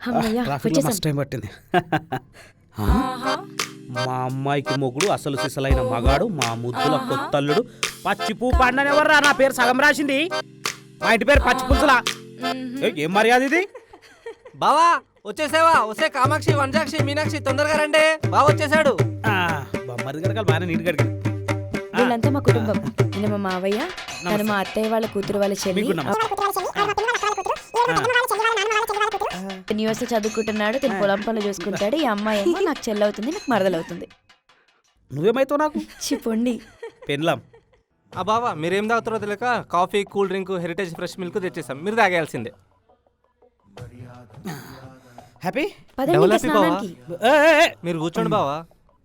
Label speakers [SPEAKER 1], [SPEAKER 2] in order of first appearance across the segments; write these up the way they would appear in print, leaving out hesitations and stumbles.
[SPEAKER 1] అమ్మయ్య,
[SPEAKER 2] ట్రాఫిక్లో
[SPEAKER 1] వచ్చేసాం.
[SPEAKER 2] మస్తు టైం పట్టింది. మా అమ్మాయికి మొగుడు అసలు సిసలైన మగాడు, మా ముద్దుల కొత్తల్లుడు పచ్చిపూ పండనెవర్రా నా పేరు సగం రాసింది. మా ఇంటి పేరు పచ్చి పులుసులా. ఏం మర్యాద ఇది?
[SPEAKER 3] బావా వచ్చేసావా? వస్తే కామాక్షి, వంజాక్షి, మీనాక్షి తొందరగా రండి. బావ వచ్చేసాడు.
[SPEAKER 2] బొమ్మది గడకాలి బాగా నీట్ గడికి.
[SPEAKER 1] వీళ్ళంతా మా కుటుంబం. ఈయన మా మావయ్య, తను మా అత్తయ్య వాళ్ళ కూతురు వాళ్ళ చెల్లి.
[SPEAKER 2] మీకు నమస్తే.
[SPEAKER 1] న్యూస్ చదువుకుంటున్నాడు, తను పొలం పనులు చూసుకుంటాడు. ఈ అమ్మాయి ఏమో నాకు చెల్లవుతుంది, నాకు మరదలవుతుంది.
[SPEAKER 2] నువ్వేమైతావు నాకు?
[SPEAKER 1] చిప్పండి.
[SPEAKER 2] పెన్లాం.
[SPEAKER 3] ఆ బావా మీరేం తాగుతారో తెలియక coffee, cool drink, heritage fresh milk తెచ్చేసాం. మీరు తాగేయాల్సిందే.
[SPEAKER 2] హ్యాపీ?
[SPEAKER 1] పదండి ఇంకా స్నానానికి.
[SPEAKER 3] మీరు కూర్చోండి బావా.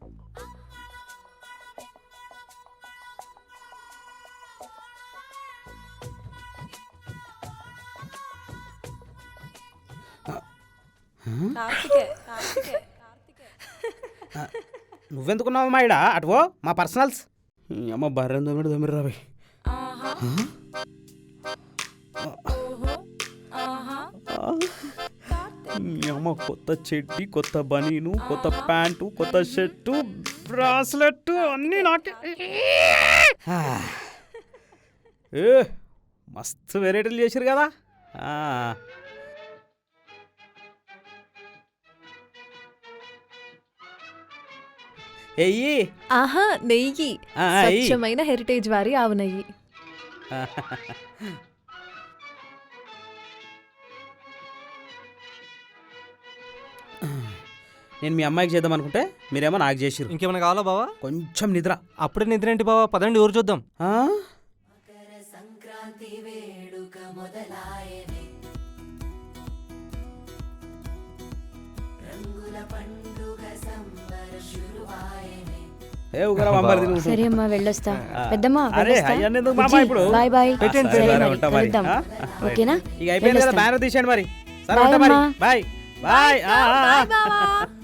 [SPEAKER 2] నువ్వెందుకున్నావు మాయిడా? అటువో మా పర్సనల్స్. అమ్మ బర్రెం దొమ్మిడి రావి. అమ్మ కొత్త చెడ్డి, కొత్త బనీను, కొత్త ప్యాంటు, కొత్త షర్టు, బ్రాస్లెట్ అన్నీ నాకే. మస్తు వెరైటీలు చేశారు కదా. ఎయ్యి.
[SPEAKER 4] ఆహా, నెయ్యి. స్వచ్ఛమైన హెరిటేజ్ వారి ఆవు నెయ్యి.
[SPEAKER 2] నేను మీ అమ్మాయికి చేద్దాం అనుకుంటే మీరేమో నాకు చేసిరు.
[SPEAKER 3] ఇంకేమైనా కావాలా బావా?
[SPEAKER 2] కొంచెం నిద్ర.
[SPEAKER 3] అప్పుడే నిద్ర ఏంటి బావా? పదండి ఊరు చూద్దాం.
[SPEAKER 1] సరే అమ్మా, వెళ్ళొస్తా. పెద్దమ్మా బాయ్ బాయ్. ఓకేనా?
[SPEAKER 2] ఇక అయిపోయింది కదా, బ్యానర్ తీసేయండి మరి. సరే బాయ్ బాయ్.